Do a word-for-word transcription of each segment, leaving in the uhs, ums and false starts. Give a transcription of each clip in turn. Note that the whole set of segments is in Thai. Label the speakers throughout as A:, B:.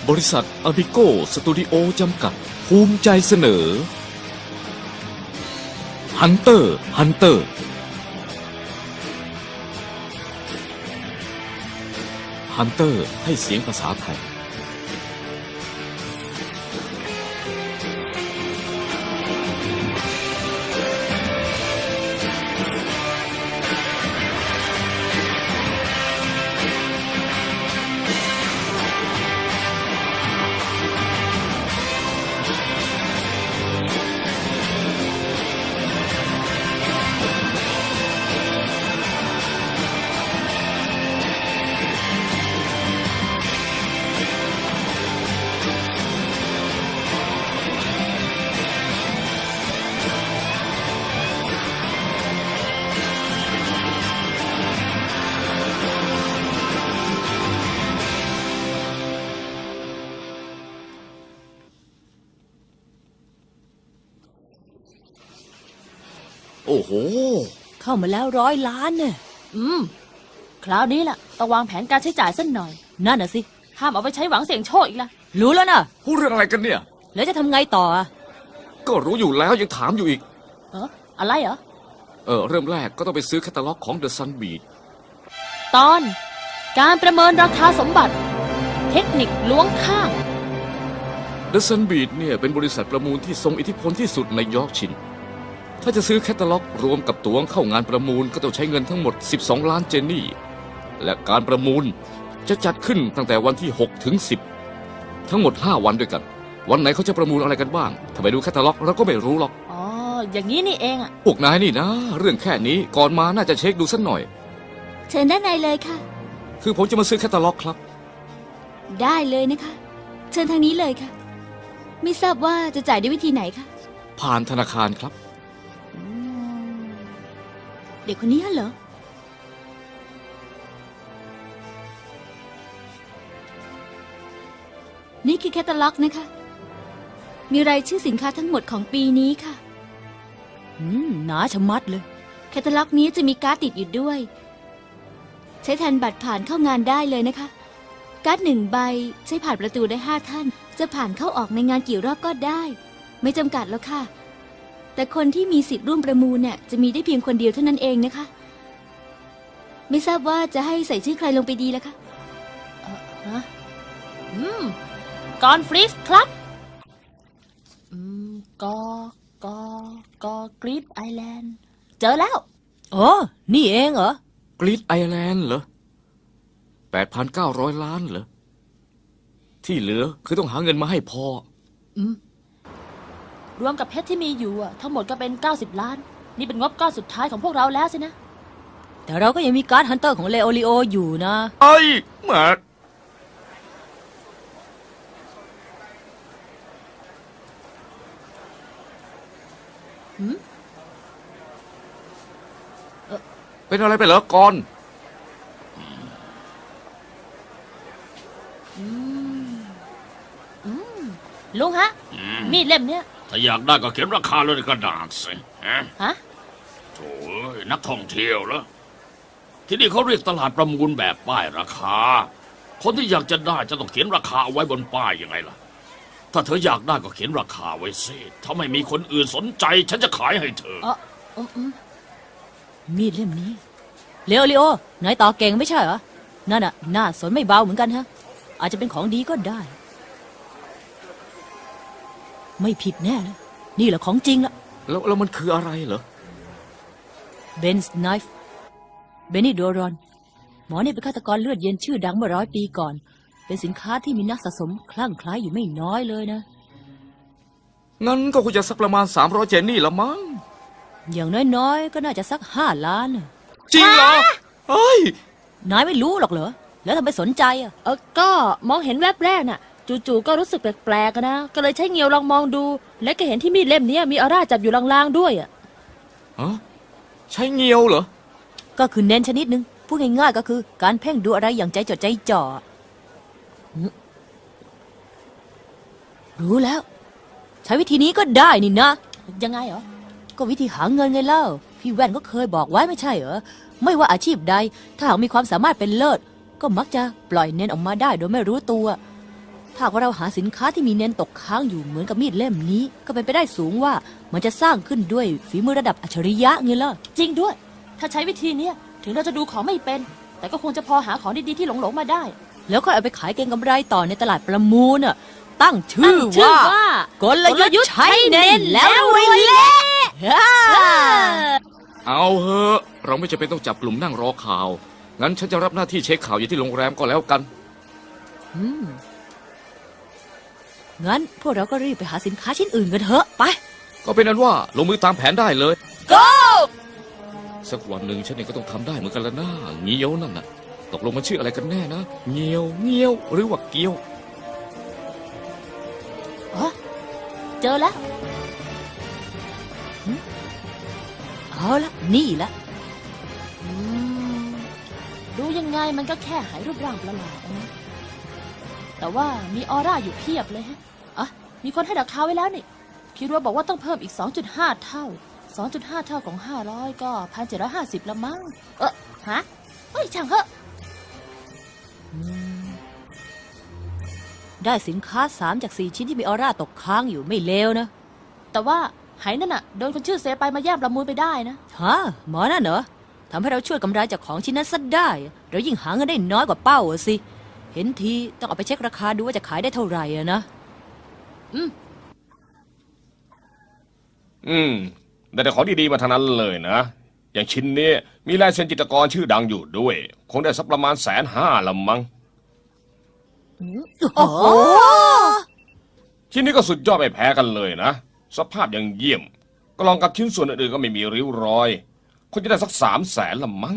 A: บริษัทอาบิโกสตูดิโอจำกัดภูมิใจเสนอฮันเตอร์ฮันเตอร์ฮันเตอร์ให้เสียงภาษาไทยโอ้โห
B: เข้ามาแล้วร้อยล้านเนี่ย
C: อืมคราวนี้ล่ะต้องวางแผนการใช้จ่ายสักหน่อย
B: นั่นน่ะสิ
C: ห้ามเอาไปใช้หวังเสี่ยงโชคอีกล่ะ
B: รู้แล้วนะ
A: พูดเรื่องอะไรกันเนี่ย
B: แล้วจะทำไงต่ออ่ะ
A: ก็รู้อยู่แล้วยังถามอยู่อีก
C: เอออะไรเหรอ
A: เออเริ่มแรกก็ต้องไปซื้อแคตตาล็อกของ The Sun Beat
C: ตอนการประเมินราคาสมบัติเทคนิคล้วงข้าง
A: The Sun Beat เนี่ยเป็นบริษัทประมูลที่ทรงอิทธิพลที่สุดในยอร์กชินถ้าจะซื้อแคตตาล็อกรวมกับตั๋วเข้างานประมูลก็ต้องใช้เงินทั้งหมดสิบสองล้านเจนนี่และการประมูลจะจัดขึ้นตั้งแต่วันที่หกถึงสิบทั้งหมดห้าวันด้วยกันวันไหนเขาจะประมูลอะไรกันบ้างถ้าไปดูแคตตาล็อกเราก็ไม่รู้หรอก
C: อ๋ออย่างนี้นี่เองอ่ะ
A: พวกนายนี่นะเรื่องแค่นี้ก่อนมาน่าจะเช็คดูสักหน่อย
D: เชิญด้านในเลยค่ะ
A: คือผมจะมาซื้อแคตตาล็อกครับ
D: ได้เลยนะคะเชิญทางนี้เลยค่ะไม่ทราบว่าจะจ่ายด้วยวิธีไหนคะ
A: ผ่านธนาคารครับ
D: เด็กคนนี้เหรอนี่คือแคตตาล็อกนะคะมีรายชื่อสินค้าทั้งหมดของปีนี้ค่ะ
B: อืมหนาชะมัดเลย
D: แคตตาล็อกนี้จะมีการ์ดติดอยู่ด้วยใช้แทนบัตรผ่านเข้างานได้เลยนะคะการ์ดหนึ่งใบใช้ผ่านประตูได้ห้าท่านจะผ่านเข้าออกในงานกี่รอบก็ได้ไม่จำกัดแล้วค่ะแต่คนที่มีสิทธิ์ร่วมประมูลเนี่ยจะมีได้เพียงคนเดียวเท่านั้นเองนะคะไม่ทราบว่าจะให้ใส่ชื่อใครลงไปดีล่ะคะ
C: เออฮะอืมกอนฟรีสครับอืมกอกอกอกรีดไอแลนด์เจอแล้ว
B: โอ้นี่เองเหร
A: อกรีดไอแลนด์เหรอแปดพันเก้าร้อยล้านเหรอที่เหลือคือต้องหาเงินมาให้พอ
C: อืมรวมกับเพชรที่มีอยู่อ่ะทั้งหมดก็เป็นเก้าสิบล้านนี่เป็นงบก้อนสุดท้ายของพวกเราแล้วสินะ
B: แต่เราก็ยังมีการ์ดฮันเตอร์ของเลโอริโออยู่นะ
A: ไอ้แม่
C: หืม
A: เป็นอะไรไปเหรอก่อน
C: อืมอืมลุงฮะมีดเล่มเนี้ย
E: ถ้าอยากได้ก็เขียนราคาเลยในกระดาษสิฮะ
C: ฮะ
E: โถ่นักท่องเที่ยวเหรอที่นี่เขาเรียกตลาดประมูลแบบป้ายราคาคนที่อยากจะได้จะต้องเขียนราคาเอาไว้บนป้ายยังไงล่ะถ้าเธออยากได้ก็เขียนราคาไว้สิถ้าไม่มีคนอื่นสนใจฉันจะขายให้เธอ
C: อ๋อ
B: มีดเล่มนี้เลโอริโอนายต่อเก่งไม่ใช่เหรอนั่นน่ะน่าสนไม่เบาเหมือนกันฮะอาจจะเป็นของดีก็ได้ไม่ผิดแน่เลยนี่แหละของจริงละ
A: แล้วแล้วมันคืออะไรเหรอ
B: เบนส์ไนฟ์เบนนี่โดรอนหมอเนี่ยเป็นฆาตกรเลือดเย็นชื่อดังเมื่อร้อยปีก่อนเป็นสินค้าที่มีนักสะสมคลั่งไคล้อยู่ไม่น้อยเลยนะ
A: งั้นก็คงจะสักประมาณสามร้อยเจนนี่ละมั้ง
B: อย่างน้อยๆก็น่าจะสักห้าล้าน
A: จริงเหรอเฮ้ย
B: นายไม่รู้หรอกเหรอแล้วทำไมสนใจอ่ะ
C: เออก็มองเห็นแวบแรกน่ะจู่ๆก็รู้สึกแปลกๆนะก็เลยใช้เงียวลองมองดูและก็เห็นที่มีดเล่มนี้มีออร่าจับอยู่ลางๆด้วยอ่ะ
A: ฮะใช้เงียวเหรอ
B: ก็คือเน้นชนิดนึงพูดง่ายๆก็คือการเพ่งดูอะไรอย่างใจจดใจจ่อรู้แล้วใช้วิธีนี้ก็ได้นี่นะ
C: ยังไงเหรอ
B: ก็วิธีหาเงินไงเล่าพี่แว่นก็เคยบอกไว้ไม่ใช่เหรอไม่ว่าอาชีพใดถ้าหากมีความสามารถเป็นเลิศก็มักจะปล่อยเน้นออกมาได้โดยไม่รู้ตัวถ้าว่าเราหาสินค้าที่มีเน้นตกค้างอยู่เหมือนกับมีดเล่มนี้ ก็เป็นไปได้สูงว่ามันจะสร้างขึ้นด้วยฝีมือระดับอัจฉริยะไงล่ะ
C: จริงด้วย ถ้าใช้วิธีเนี้ยถึงเราจะดูของไม่เป็น แต่ก็คงจะพอหาของดีๆที่หลงๆมาได้
B: แล้วก็เอาไปขายเก็งกำไรต่อในตลาดประมูลน่ะ ตั้งชื่อ
C: ตั้งชื่อ
B: ว่า
C: ว่า
B: กลยุทธ์ใช้เน้นแล้วรวยเละฮ่า
A: เอาเถอะเราไม่จำเป็นต้องจับกลุ่มนั่งรอข่าว งั้นฉันจะรับหน้าที่เช็คข่าวอยู่ที่โรงแรมก็แล้วกัน
B: อืมงั้นพวกเราก็รีบไปหาสินค้าชิ้นอื่นกันเถอะไป
A: ก็เป็นนั้นว่าลงมือตามแผนได้เลย
B: go
A: สักวันหนึ่งฉันเองก็ต้องทำได้เหมือนกันละนะเงี้ยวนั่นน่ะตกลงมันชื่ออะไรกันแน่นะเงี้ยวเงี้ยวหรือว่าเกี้ยว
C: อ๋อ เจอแล้ว
B: เอาละนี่ละ
C: อืมดูยังไงมันก็แค่หายรูปร่างประหลาดนะแต่ว่ามีออร่าอยู่เพียบเลยฮะอ่ะมีคนให้ราคาไว้แล้วนี่คิดว่าบอกว่าต้องเพิ่มอีก สองจุดห้า เท่า สองจุดห้า เท่าของ ห้าร้อย ก็ หนึ่งพันเจ็ดร้อยห้าสิบ ละมั้ง เออฮะเฮ้ยช่างเถอะ
B: อืมได้สินค้าสามจากสี่ชิ้นที่มีออร่าตกค้างอยู่ไม่เลวนะ
C: แต่ว่าหายนั่นน่ะโดนคนชื่อเซไปมาแย่งประมูลไปได้นะ
B: ฮะหมอนั่นเหรอทำให้เราช่วยกำไรจากของชิ้นนั้นซะได้ เรายิ่งหาเงินได้น้อยกว่าเป้าอะสิ เห็นทีต้องเอาไปเช็คราคาดูว่าจะขายได้เท่าไหร่อะนะ
F: อืมได้แต่ของดีๆมาทั้งนั้นเลยนะ อย่างชิ้นนี้มีลายเซ็นจิตรกรชื่อดังอยู่ด้วย คงได้สักประมาณแสนห้าละมั้ง
B: โอ้โห
F: ชิ้นนี้ก็สุดยอดไม่แพ้กันเลยนะ สภาพยังเยี่ยม ก็ลองกับชิ้นส่วนอื่นๆก็ไม่มีริ้วรอยคงจะได้สักสามแสนละมั้ง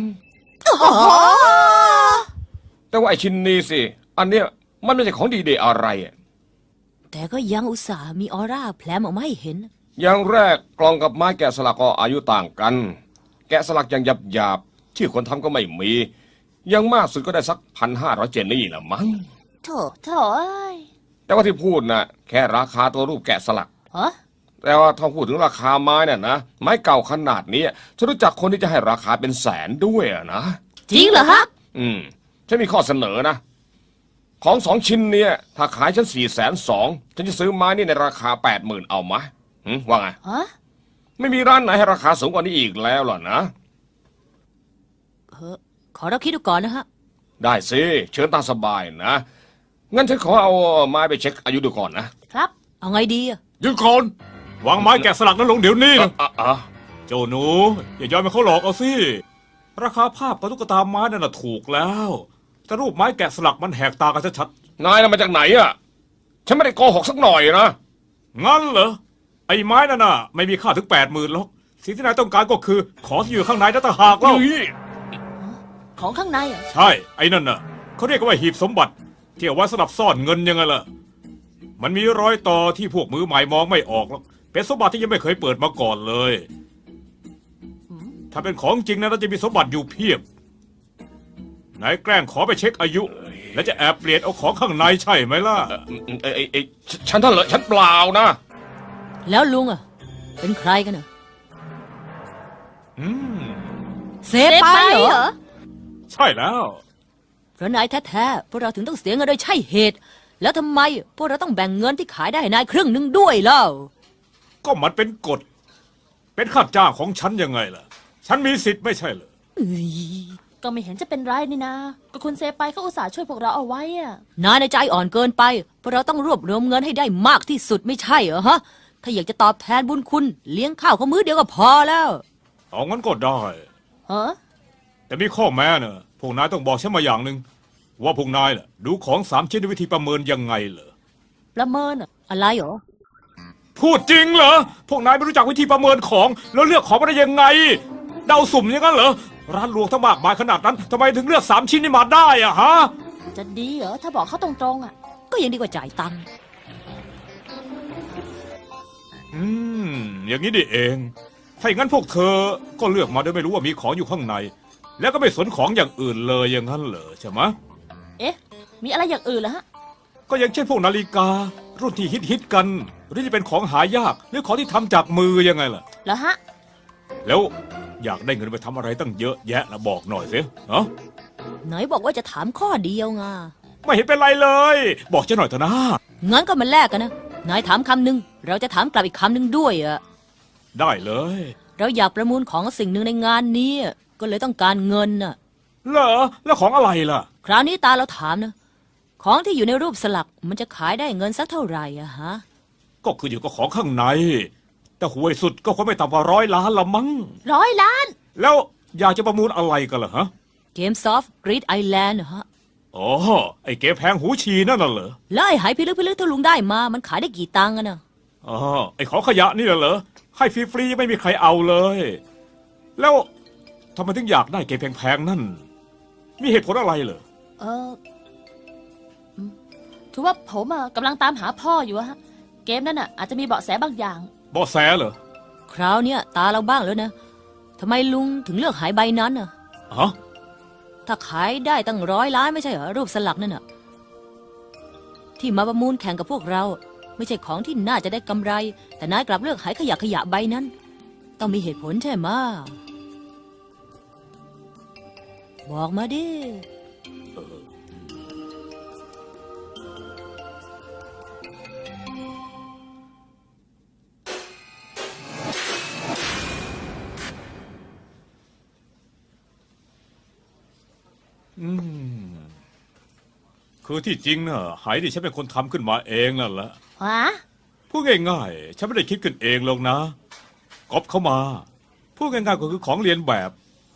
F: แต่ว่าไอชิ้นนี้สิ อันเนี้ยมันไม่ใช่ของดีเดย์อะไรอะ
B: แต่ก็ยังอุตส่าห์มีออร่าแผลมออกมาให้เห็น
F: อย่างแรกกลองกับไม้แกะสลักก็อายุต่างกัน แกะสลักอย่างหยาบๆชื่อคนทำก็ไม่มีอยังมากสุดก็ได้สักพันห้าร้อยเจนนี่ละมั้ง
B: โถ่
C: โถ่เอ้ย
F: แต่ว่าที่พูดนะแค่ราคาตัวรูปแกะสลัก
C: ฮะ
F: แต่ว่าถ้าพูดถึงราคาไม้น่ะนะไม้เก่าขนาดนี้ฉันรู้จักคนที่จะให้ราคาเป็นแสนด้วยอะนะ
B: จริงเหรอฮะ
F: อืมฉันมีข้อเสนอนะ ของสองชิ้นเนี่ยถ้าขายฉันสี่แสนสองฉันจะซื้อไม้นี่ในราคาแปดหมื่นเอามะหึว่าไง
C: ฮะ
F: ไม่มีร้านไหนให้ราคาสูงกว่านี้อีกแล้วหรอนะ
B: เออขอเราคิดดูก่อนนะฮะ
F: ได้สิเชิญตามสบายนะงั้นฉันขอเอาไม้ไปเช็คอายุดูก่อนนะครับ
B: เอาไงดีอะ
G: ยืนก่อนวางไม้แกะสลักนั้นลงเดี๋ยวนี้นะ
F: อ่ะอ่ะ
G: เจ้าหนูอย่ายอมให้เขาหลอกเอาสิราคาภาพกับตุ๊กตาไม้นั่นน่ะถูกแล้วแต่รูปไม้แกะสลักมันแหกตากันชัด
F: นายน่ะมาจากไหนอ่ะฉันไม่ได้โกหกสักหน่อยนะ
G: ๆงั้นเหรอไอ้ไม้นั่นน่ะไม่มีค่าถึงแปดหมื่นหรอกสิ่งที่นายต้องการก็คือของที่อยู่ข้างในนั่นต่างหากแล้ว
F: นี่
C: ของข้างในเหรอ่ะ
G: ใช่ไอ้นั่นน่ะเขาเรียกว่าหีบสมบัติที่เอาไว้สำหรับซ่อนเงินยังไงล่ะมันมีรอยต่อที่พวกมือใหม่มองไม่ออกหรอกเป็นสมบัติที่ยังไม่เคยเปิดมาก่อนเลย ถ้าเป็นของจริงนะเราจะมีสมบัติอยู่เพียบนายแกล้งขอไปเช็คอายุ แล้วจะแอบเปลี่ยนเอาของข้างในใช่ไหมล่ะ
F: เอ้ยเอ้ยเอ้ยฉันท่านเหรอฉันเปล่านะ
B: แล้วลุงอะเป็นใครกันเนอะ
G: อืม
B: เซไปเหรอ
G: ใช่แล้ว
B: เพราะนายแท้ๆพวกเราถึงต้องเสียเงินโดยใช่เหตุ แล้วทำไมพวกเราต้องแบ่งเงินที่ขายได้ให้นายครึ่งหนึ่งด้วยเล่า
G: ก็มันเป็นกฎ เป็นค่าจ้างของฉันยังไงล่ะ ฉันมีสิทธิ์ไม่ใช่เหรอ
C: ก็ไม่เห็นจะเป็นไรนี่นะ ก็คุณเซไปเขาอุตส่าห์ช่วยพวกเราเอาไว้อะ
B: นายในใจอ่อนเกินไปพวกเราต้องรวบรวมเงินให้ได้มากที่สุดไม่ใช่เหรอฮะ ถ้าอยากจะตอบแทนบุญคุณเลี้ยงข้าวเขามื้อเดียวก็พอแล้ว
G: เอางั้นก็ได้
C: ฮะ
G: แต่มีข้อแม้เนอะพวกนายต้องบอกฉันมาอย่างหนึ่งว่าพวกนายน่ะดูของสามชิ้นด้วยวิธีประเมินยังไงเหรอ
C: ประเมินเหรอ
B: อะไรเหรอ
G: พูดจริงเหรอ พวกนายไม่รู้จักวิธีประเมินของ แล้วเลือกของมาได้ยังไง เดาสุ่มอย่างนั้นเหรอ ร้านรวงทั้งมากมายขนาดนั้นทำไมถึงเลือกสามชิ้นนี้มาได้อะฮะ
C: จะดีเหรอ ถ้าบอกเขาตรงๆอ่ะ
B: ก็ยังดีกว่าจ่ายตังค์
G: อืม อย่างนี้ดิเอง ถ้าอย่างนั้นพวกเธอก็เลือกมาโดยไม่รู้ว่ามีของอยู่ข้างใน แล้วก็ไม่สนของอย่างอื่นเลยอย่างนั้นเหรอใช่ไหม
C: เอ๊ะ มีอะไรอย่างอื่นเหรอฮะ
G: ก็อย่างเช่นพวกนาฬิกา รุ่นที่ฮิตฮิตๆกัน หรือจะเป็นของหายากหรือของที่ทำจากมือยังไงล่ะ
C: เหรอฮะ
G: แล้วอยากได้เงินไปทำอะไรตั้งเยอะแยะนะบอกหน่อยสิเนาะ
B: ไหนบอกว่าจะถามข้อเดียวไง
G: ไม่เห็นเป็นไรเลย บอกฉันหน่อยเถอะนะ
B: งั้นก็มาแลกกันนะ นายถามคำหนึ่งเราจะถามกลับอีกคำหนึ่งด้วยอะ
G: ได้เลย
B: เราอยากประมูลของสิ่งหนึ่งในงานนี้อะก็เลยต้องการเงินน่ะ
G: เหรอแล้วของอะไรล่ะ
B: คราวนี้ตาเราถามนะ ของที่อยู่ในรูปสลักมันจะขายได้เงินสักเท่าไหร่อะฮะ
G: ก็คืออยู่กับของข้างใน แต่หวยสุดก็คงไม่ต่ำกว่าร้อยล้านละมั้ง
C: ร้อยล้าน
G: แล้วอยากจะประมูลอะไรกันล่ะฮะ
B: เกมซอฟต์กรีดไอแลนด์ฮะ
G: อ๋อไอ้เกมแพงหูฉีนั่นน่ะเหรอ
B: แล้วไอ้หายพิลึกพิลึกที่ลุงได้มามันขายได้กี่ตังค์อะนะ
G: อ๋อไอ้ของขยะนี่เหรอให้ฟรีๆไม่มีใครเอาเลย แล้วทำไมถึงอยากได้เกมแพงๆนั่น มีเหตุผลอะไรเหรอ
C: เอออืมคือว่าผมอะกำลังตามหาพ่ออยู่อะฮะ เกมนั้นอะอาจจะมีเบาะแสบางอย่าง
G: เบาะแสเหรอ
B: คราวเนี้ยตาเราบ้างแล้วนะทำไมลุงถึงเลือกหายใบนั้นอะ
G: ฮะ
B: ถ้าขายได้ตั้งร้อยล้านไม่ใช่เหรอรูปสลักนั่นน่ะที่มาประมูลแข่งกับพวกเรา ไม่ใช่ของที่น่าจะได้กำไร แต่นายกลับเลือกหายขยะขยะใบนั้น ต้องมีเหตุผลใช่ไหมะบอกมาดิ
G: อืมคือที่จริงน่ะหายดิฉันเป็นคนทำขึ้นมาเองนั่นแหละ
C: ฮะ
G: พูดง่ายๆฉันไม่ได้คิดขึ้นเองหรอกนะก๊อปเข้ามาพูดง่ายๆก็คือของเรียนแบบ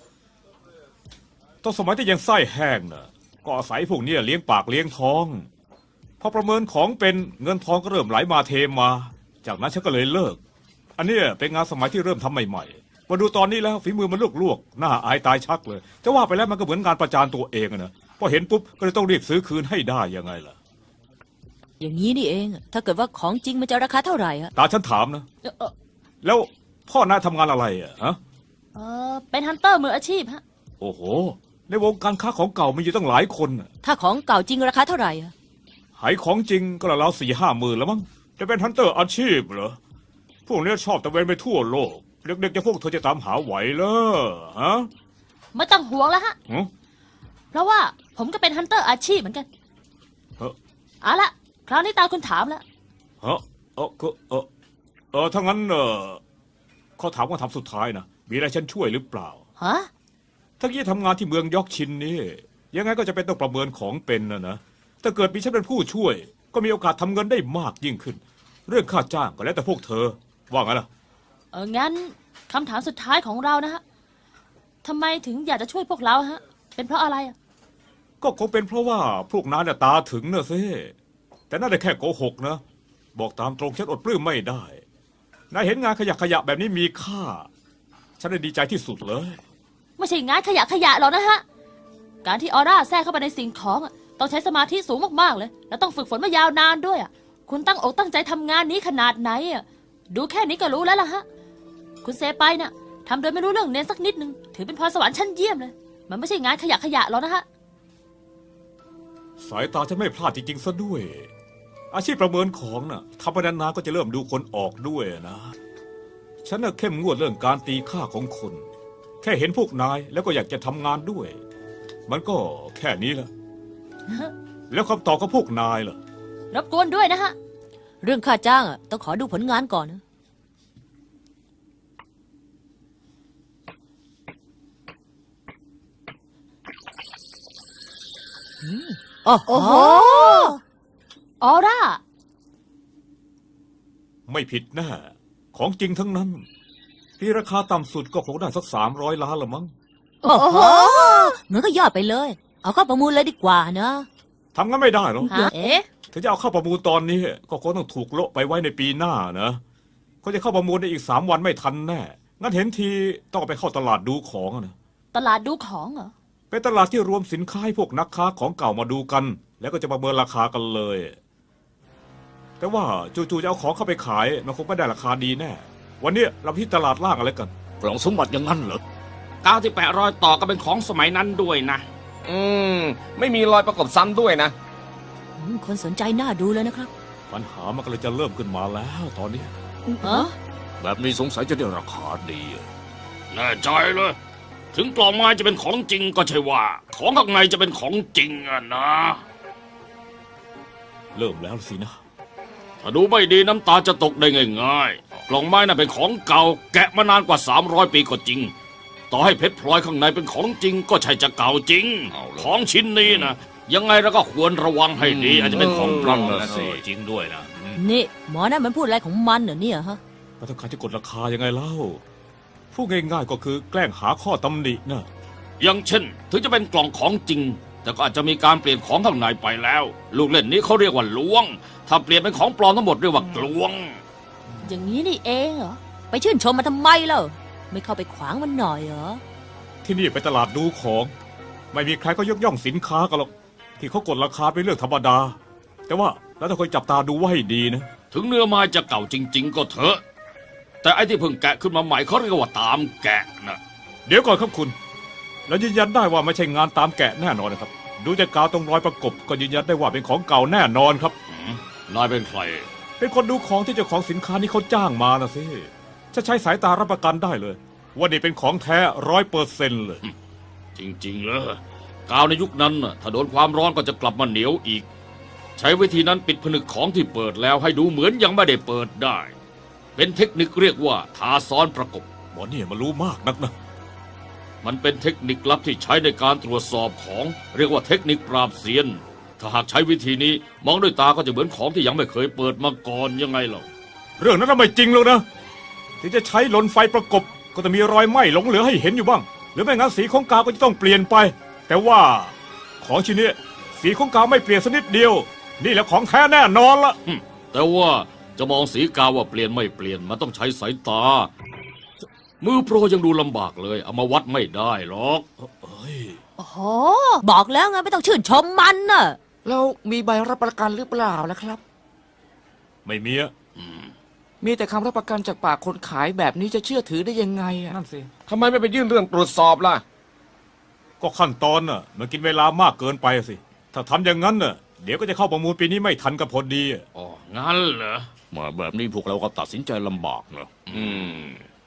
G: ตอนสมัยที่ยังไส้แห้งน่ะก็อาศัยพวกเนี้ยเลี้ยงปากเลี้ยงท้องพอประเมินของเป็นเงินทองก็เริ่มไหลมาเทมา จากนั้นฉันก็เลยเลิก อันเนี้ยเป็นงานสมัยที่เริ่มทำใหม่ๆมาดูตอนนี้แล้วฝีมือมันลวกๆหน้าอายตายชักเลยจะว่าไปแล้วมันก็เหมือนงานประจานตัวเองอะนะพอเห็นปุ๊บก็เลยต้องรีบซื้อคืนให้ได้ยังไงล่ะ
B: อย่างนี้นี่เอง ถ้าเกิดว่าของจริงมันจะราคาเท่าไหร่อะ
G: ตาฉันถามนะ
C: เออเออ
G: แล้วพ่อนายทำงานอะไรอ่ะฮะ
C: เออเป็นฮันเตอร์มืออาชีพฮะ
G: โอ้โหในวงการค้าของเก่ามีอยู่ตั้งหลายคนน่ะ
B: ถ้าของเก่าจริงราคาเท่าไหร่อะ
G: หายของจริงก็ละแล้วสี่ห้าหมื่นแล้วมั้งจะเป็นฮันเตอร์อาชีพเหรอพวกเนี้ยชอบตะเวนไปทั่วโลกเด็กๆจะพวกเธอจะตามหาไหวเหรอฮะ
C: ไม่ต้องห่วงแล้วฮะ
G: หึ
C: เพราะว่าผมก็เป็นฮันเตอร์อาชีพเหมือนกัน
G: เออ
C: เอาละคราวนี้ตาคุณถามแล้ว
G: ฮะเออก็เออเออถ้างั้นเออเขาถามว่าทำสุดท้ายนะมีอะไรฉันช่วยหรือเปล่า
C: ฮะ
G: ถ้ากี้ทำงานที่เมืองยอกชินนี่ยังไงก็จะเป็นต้องประเมินของเป็นนะนะถ้าเกิดมีฉันเป็นผู้ช่วย ก็มีโอกาสทำเงินได้มากยิ่งขึ้น เรื่องค่าจ้างก็แล้วแต่พวกเธอว่าไงล่ะ
C: เอองั้นคำถามสุดท้ายของเรานะฮะทำไมถึงอยากจะช่วยพวกเราฮะ เป็นเพราะอะไรอะ
G: ก็คงเป็นเพราะว่าพวกนั้นน่ะตาถึงนะสิแต่น่าจะแค่โกหกนะบอกตามตรงฉันอดปลื้มไม่ได้นายเห็นงานขยะขยะแบบนี้มีค่า ฉันได้ดีใจที่สุดเลย
C: ไม่ใช่งานขยะขยะหรอกนะฮะ การที่ออร่าแทรกเข้าไปในสิ่งของอะต้องใช้สมาธิสูงมากๆเลย แล้วต้องฝึกฝนมายาวนานด้วยอะคุณตั้งอกตั้งใจทำงานนี้ขนาดไหนอะดูแค่นี้ก็รู้แล้วล่ะฮะ คุณเซไปน่ะทำโดยไม่รู้เรื่องเน้นสักนิดนึงถือเป็นพรสวรรค์ชั้นเยี่ยมเลย มันไม่ใช่งานขยะขยะหรอกนะฮะ
G: สายตาฉันไม่พลาดจริงๆซะด้วย อาชีพประเมินของน่ะทำไปนานๆก็จะเริ่มดูคนออกด้วยนะ ฉันน่ะเข้มงวดเรื่องการตีค่าของคน แค่เห็นพวกนายแล้วก็อยากจะทำงานด้วย มันก็แค่นี้แหละ แล้วคำตอบของพวกนายล่ะ
C: รบกวนด้วยนะฮะ
B: เรื่องค่าจ้างอะต้องขอดูผลงานก่อนนะอืมโอ้โห
C: ออร่า
G: ไม่ผิดแน่ของจริงทั้งนั้นที่ราคาต่ำสุดก็คงได้สักสามร้อยล้านละมั้ง
B: โอ้โหงั้นก็ยอดไปเลย เอาเข้าประมูลเลยดีกว่านะ
G: ทำงั้นไม่ได้หรอก
C: ฮะ
B: เอ๊ะ
G: ถ้าจะเอาเข้าประมูลตอนนี้ ก็คงต้องถูกโละไปไว้ในปีหน้านะเขาจะเข้าประมูลได้อีกสามวันไม่ทันแน่งั้นเห็นทีต้องไปเข้าตลาดดูของนะ
C: ตลาดดูของเหรอ
G: เป็นตลาดที่รวมสินค้าให้พวกนักค้าของเก่ามาดูกัน แล้วก็จะประเมินราคากันเลย แต่ว่าจู่ๆจะเอาของเข้าไปขายมันคงไม่ได้ราคาดีแน่วันนี้เราที่ตลาดล่างอะไรกัน
A: กล่องสมบัติอย่างนั้นเหรอ
E: กาวที่แปะรอยต่อก็เป็นของสมัยนั้นด้วยนะ
F: อืม ไม่มีรอยประกบซ้ำด้วยนะ
B: อืมคนสนใจน่าดูเลยนะครับ
G: ปัญหามันก็เลยจะเริ่มขึ้นมาแล้วตอนนี้
C: ฮะ
A: แบบนี้สงสัยจะได้ราคาดีอะ
E: แน่ใจเลย ถึงกล่องไม้จะเป็นของจริงก็ใช่ว่า ของข้างในจะเป็นของจริงอะนะ
G: เริ่มแล้วสินะ
E: ถ้าดูไม่ดีน้ำตาจะตกได้ง่ายๆกล่องไม้น่ะเป็นของเก่า แกะมานานกว่าสามร้อยปีก็จริง ต่อให้เพชรพลอยข้างในเป็นของจริง ก็ใช่จะเก่าจริง
A: เอาเลย
E: ของชิ้นนี้นะยังไงเราก็ควรระวังให้ดี อาจจะเป็นของปลอม
A: เออ
E: นะสิ
G: จริงด้วยนะ
B: นี่หมอนั่นมันพูดอะไรของมันเหรอเนี่ยฮะ
G: แล้วต้องการจะกดราคายังไงเล่าพูดง่ายๆก็คือแกล้งหาข้อตำหนินะ
E: อย่างเช่น ถึงจะเป็นกล่องของจริง แต่ก็อาจจะมีการเปลี่ยนของข้างในไปแล้ว ลูกเล่นนี้เขาเรียกว่าล้วง ถ้าเปลี่ยนเป็นของปลอมทั้งหมดเรียกว่ากลวง
C: อย่างนี้นี่เองเหรอ
B: ไปชื่นชมมันทำไมเล่าไม่เข้าไปขวางมันหน่อยเหรอ
G: ที่นี่เป็นตลาดดูของ ไม่มีใครก็ยกย่องสินค้ากันหรอกที่เขากดราคาเป็นเรื่องธรรมดา แต่ว่าแล้วต้องคอยจับตาดูไว้ให้ดีนะ
E: ถึงเนื้อไม้จะเก่าจริง ๆ ก็เถอะ แต่ไอ้ที่เพิ่งแกะขึ้นมาใหม่เขาเรียกว่าตามแกะนะ
G: เดี๋ยวก่อนครับคุณ แล้วยืนยันได้ว่าไม่ใช่งานตามแกะแน่นอนนะครับ ดูจากกาวตรงรอยประกบก็ยืนยันได้ว่าเป็นของเก่าแน่นอนครับ
E: หืมนายเป็นใคร
G: เป็นคนดูของที่เจ้าของสินค้านี้เขาจ้างมานะสิจะใช้สายตารับประกันได้เลย ว่านี่เป็นของแท้ร้อยเปอร์เซ็นต์เลย
E: จริงๆเลยกาวในยุคนั้นน่ะถ้าโดนความร้อนก็จะกลับมาเหนียวอีก ใช้วิธีนั้นปิดผนึกของที่เปิดแล้วให้ดูเหมือนยังไม่ได้เปิดได้ เป็นเทคนิคเรียกว่าทาซ้อนประกบ
G: หมอเนี่ยมารู้มากนักนะ
E: มันเป็นเทคนิคลับที่ใช้ในการตรวจสอบของเรียกว่าเทคนิคปราบเซียน ถ้าหากใช้วิธีนี้มองด้วยตาก็จะเหมือนของที่ยังไม่เคยเปิดมาก่อนยังไงเล่า
G: เรื่องนั้นน่ะไม่จริงหรอกนะที่จะใช้ลนไฟประกบก็จะมีรอยไหม้หลงเหลือให้เห็นอยู่บ้าง หรือไม่งั้นสีของกาวก็จะต้องเปลี่ยนไป แต่ว่าของชิ้นนี้สีของกาวไม่เปลี่ยนสักนิดเดียว นี่แหละของแท้แน่นอนละ
E: หึแต่ว่าจะมองสีกาวว่าเปลี่ยนไม่เปลี่ยนมันต้องใช้สายตา มือโปรยังดูลำบากเลยเอามาวัดไม่ได้หรอก
G: เอ้ย
C: โอ้โห
B: บอกแล้วไงไม่ต้องชื่นชมมันน่ะ
H: แล้วมีใบรับประกันหรือเปล่าล่ะครับ
G: ไม่มีอะ
H: มีแต่คำรับประกันจากปากคนขายแบบนี้จะเชื่อถือได้ยังไงอะ
G: นั่นสิ
F: ทำไมไม่ไปยื่นเรื่องตรวจสอบล่ะ
G: ก็ขั้นตอนน่ะมันกินเวลามากเกินไปอะสิ ถ้าทำอย่างนั้นน่ะเดี๋ยวก็จะเข้าประมูลปีนี้ไม่ทันกับพอดีอะ
E: อ๋อ งั้นเหรอ
A: มาแบบนี้พวกเราก็ตัดสินใจลำบากเนอะ
F: อืม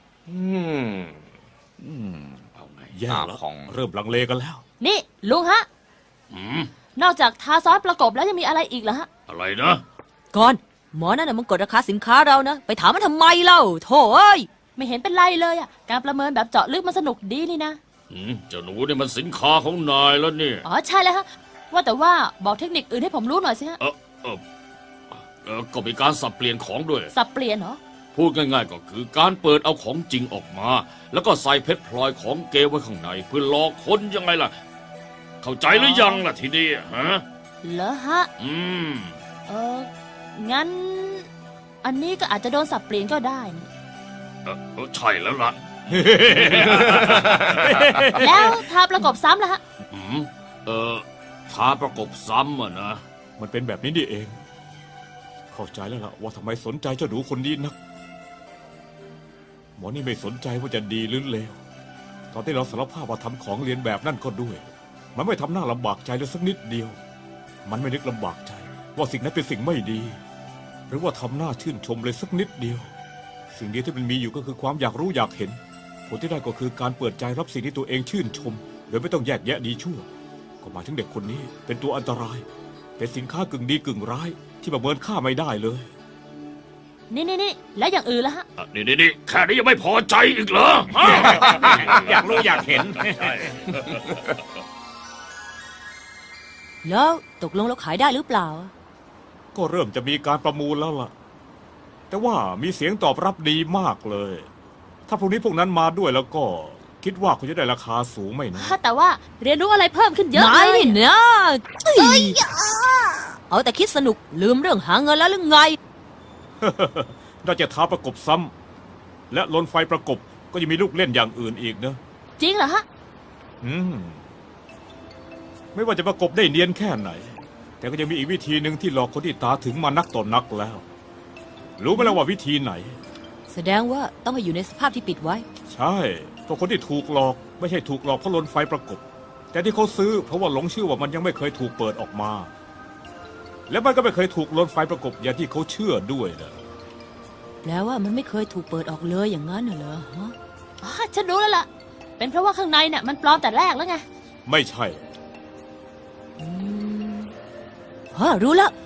F: อืม
E: เอาไง
G: แย่แล้ว
A: อ่าของ
G: เริ่มลังเลกันแล้ว
C: นี่ลุงฮะ
E: อืม
C: นอกจากทาซ้อนประกบแล้วยังมีอะไรอีกเหรอฮะ
E: อะไรนะ
B: ก่อน หมอนั่นน่ะมันกดราคาสินค้าเรานะ ไปถามมันทำไมเล่าโถ่เอ้ย
C: ไม่เห็นเป็นไรเลยอ่ะ การประเมินแบบเจาะลึกมันสนุกดีนี่นะ
E: อืมเจ้าหนูนี่มันสินค้าของนายแล้วเนี่ย
C: อ๋อใช่แล้วฮะ ว่าแต่ว่าบอกเทคนิคอื่นให้ผมรู้หน่อยสิฮะ
E: เออเออเออก็มีการสับเปลี่ยนของด้วย
C: สับเปลี่ยนเหรอ
E: พูดง่ายๆก็คือการเปิดเอาของจริงออกมา แล้วก็ใส่เพชรพลอยของเกไว้ข้างในเพื่อหลอกคนยังไงล่ะ เข้าใจหรือยังล่ะทีนี้ฮะ
C: เหรอฮะ
E: อืม
C: เออ งั้น อันนี้ก็อาจจะโดนสับเปลี่ยนก็ได้นี่
E: เออเออใช่แล้วล่ะ
C: แล้วทาประกบซ้ำล่ะฮะ
E: อืมเออทาประกบซ้ำอ่ะนะ
G: มันเป็นแบบนี้นี่เอง เข้าใจแล้วล่ะว่าทำไมสนใจเจ้าหนูคนนี้นัก หมอนี่ไม่สนใจว่าจะดีหรือเลว ตอนที่เราสารภาพว่าทำของเรียนแบบนั่นก็ด้วย มันไม่ทำหน้าลำบากใจเลยสักนิดเดียว มันไม่นึกลำบากใจ ว่าสิ่งนั้นเป็นสิ่งไม่ดี หรือว่าทำหน้าชื่นชมเลยสักนิดเดียว สิ่งเดียวที่มันมีอยู่ก็คือความอยากรู้อยากเห็น ผลที่ได้ก็คือการเปิดใจรับสิ่งที่ตัวเองชื่นชม โดยไม่ต้องแยกแยะดีชั่ว ก็หมายถึงเด็กคนนี้เป็นตัวอันตราย เป็นสินค้ากึ่งดีกึ่งร้าย ที่ประเมินค่าไม่ได้เลย
C: นี่นี่นี่แล้วอย่างอื่นล่ะฮะ
E: อ่ะนี่นี่นี่แค่นี้ยังไม่พอใจอีกเหรอฮะ
G: อยากรู้อยากเห็น
B: แล้วตกลงเราขายได้หรือเปล่า
G: ก็เริ่มจะมีการประมูลแล้วล่ะ แต่ว่ามีเสียงตอบรับดีมากเลย ถ้าพรุ่งนี้พวกนั้นมาด้วยแล้วก็ คิดว่าคุณจะได้ราคาสูงไม่นะ
C: แต่ว่าเรียนรู้อะไรเพิ่มขึ้นเยอะ
B: นา
C: เลย
B: นี่นะเอ้ยเอาแต่คิดสนุกลืมเรื่องหาเงินแล้วหรือไง
G: น่าจะท้าประกบซ้ำและลนไฟประกบก็ยังมีลูกเล่นอย่างอื่นอีกนะ
C: จริงเหรอฮะ
G: อืม ไม่ว่าจะประกบได้เนียนแค่ไหน แต่ก็ยังมีอีกวิธีหนึ่งที่หลอกคนที่ตาถึงมานักต่อนนักแล้ว รู้ไหมล่ะว่าวิธีไหน
B: แสดงว่าต้องให้อยู่ในสภาพที่ปิดไว้
G: ใช่เพราะคนที่ถูกหลอกไม่ใช่ถูกหลอกเพราะลนไฟประกบ แต่ที่เขาซื้อเพราะว่าหลงเชื่อว่ามันยังไม่เคยถูกเปิดออกมา และมันก็ไม่เคยถูกลนไฟประกบอย่างที่เขาเชื่อด้วยนะ
B: แปลว่ามันไม่เคยถูกเปิดออกเลยอย่างนั้นเหรอฮะ
C: อ๋อ ฉันรู้แล้วล่ะ เป็นเพราะว่าข้างในเนี่ยมันปลอมแต่แรกแล้วไง
G: ไม่ใช่
B: อืมฮะรู้แล้ว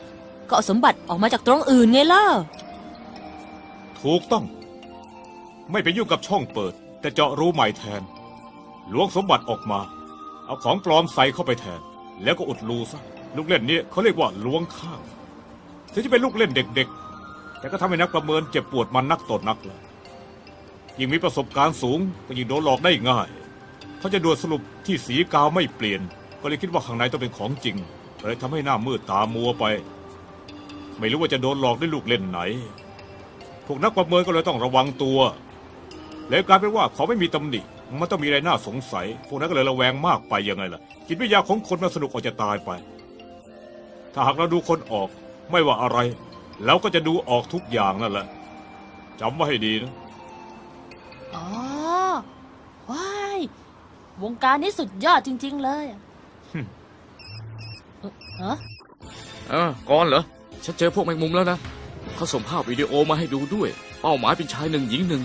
B: ก็เอาสมบัติออกมาจากตรงอื่นไงล่ะ
G: ถูกต้อง ไม่ไปยุ่งกับช่องเปิด แต่เจาะรูใหม่แทนล้วงสมบัติออกมา เอาของปลอมใส่เข้าไปแทน แล้วก็อุดรูซะลูกเล่นนี้เขาเรียกว่าล้วงข้างถึงจะเป็นลูกเล่นเด็กๆแต่ก็ทำให้นักประเมินเจ็บปวดมันนักต่อนักเลยยิ่งมีประสบการณ์สูงก็ยิ่งโดนหลอกได้ง่ายเขาจะด่วนสรุปที่สีกาวไม่เปลี่ยนก็เลยคิดว่าข้างในต้องเป็นของจริงเลยทำให้หน้ามืดตามัวไปไม่รู้ว่าจะโดนหลอกด้วยลูกเล่นไหนพวกนักประเมินก็เลยต้องระวังตัวแล้วกลายเป็นว่าเขาไม่มีตำหนิมันต้องมีอะไรน่าสงสัยพวกนั้นก็เลยระแวงมากไปยังไงล่ะจิตวิทยาของคนมันสนุกออกจะตายไปถ้าหากเราดูคนออกไม่ว่าอะไรเราก็จะดูออกทุกอย่างนั่นแหละจำไว้ให้ดีนะ
C: อ๋อ ว้าย วงการนี้สุดยอดจริง ๆ เลยอะเอ่อฮะ
A: เออก่อนเหรอ ฉันเจอพวกแมงมุมแล้วนะ เขาส่งภาพวิดีโอมาให้ดูด้วย เป้าหมายเป็นชายหนึ่งหญิงหนึ่ง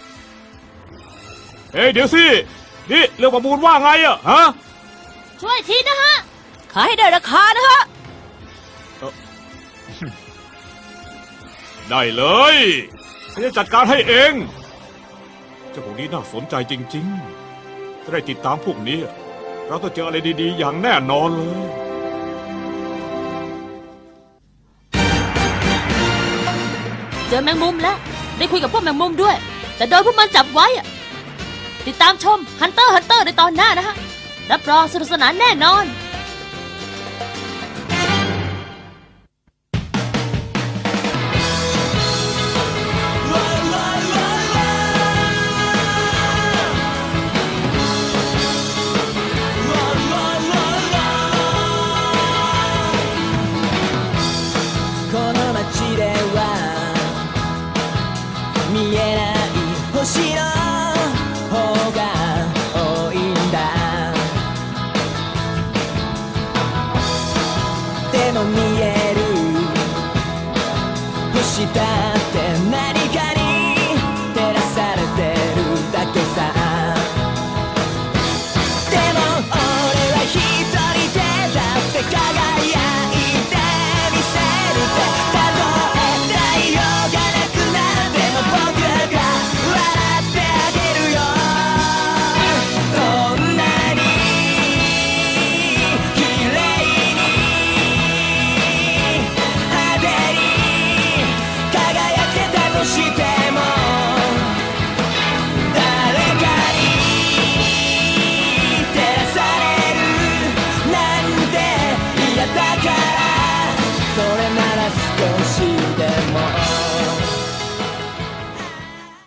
G: เฮ้ยเดี๋ยวสินี่เรื่องประมูลว่าไงอะฮะ
C: ช่วยทีนะฮะ
B: ขายให้ได้ราคานะฮะ
G: ได้เลยฉันจะจัดการให้เองเจ้าพวกนี้น่าสนใจจริงๆถ้าได้ติดตามพวกนี้เราต้องเจออะไรดีๆอย่างแน่นอนเลย
C: เจอแมงมุมแล้ว ได้คุยกับพวกแมงมุมด้วย แต่โดนพวกมันจับไว้อะติดตามชมฮันเตอร์ฮันเตอร์ในตอนหน้านะฮะ รับรองสนุกสนานแน่นอน
I: この街では見えない星の方が多いんだでも見える星だ